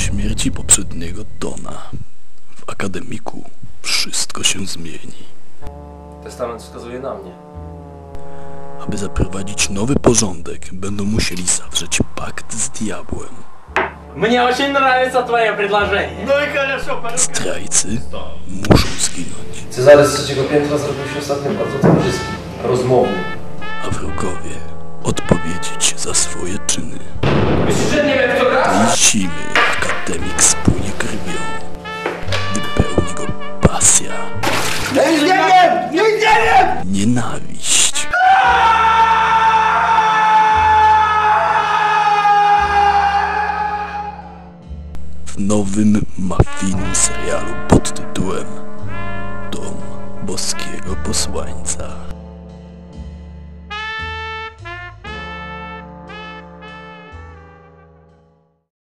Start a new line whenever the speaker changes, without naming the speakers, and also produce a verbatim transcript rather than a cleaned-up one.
śmierci poprzedniego Dona w akademiku wszystko się zmieni.
Testament wskazuje na mnie.
Aby zaprowadzić nowy porządek, będą musieli zawrzeć pakt z diabłem.
Мне очень нравится твое предложение.
No i хорошо,
Zdrajcy muszą zginąć,
Cezary z trzeciego piętra zrobił się ostatnio bardzo towarzyskim, rozmownym.
a wrogowie odpowiedzieć za swoje czyny.
Myślisz, że nie wiem kto gra?
Tej zimy akademik spłynie krwią, gdy pełni go pasja,
Ja już nie wiem! Nie wiem!
nienawiść. W nowym mafijnym serialu pod tytułem Dom Boskiego Posłańca.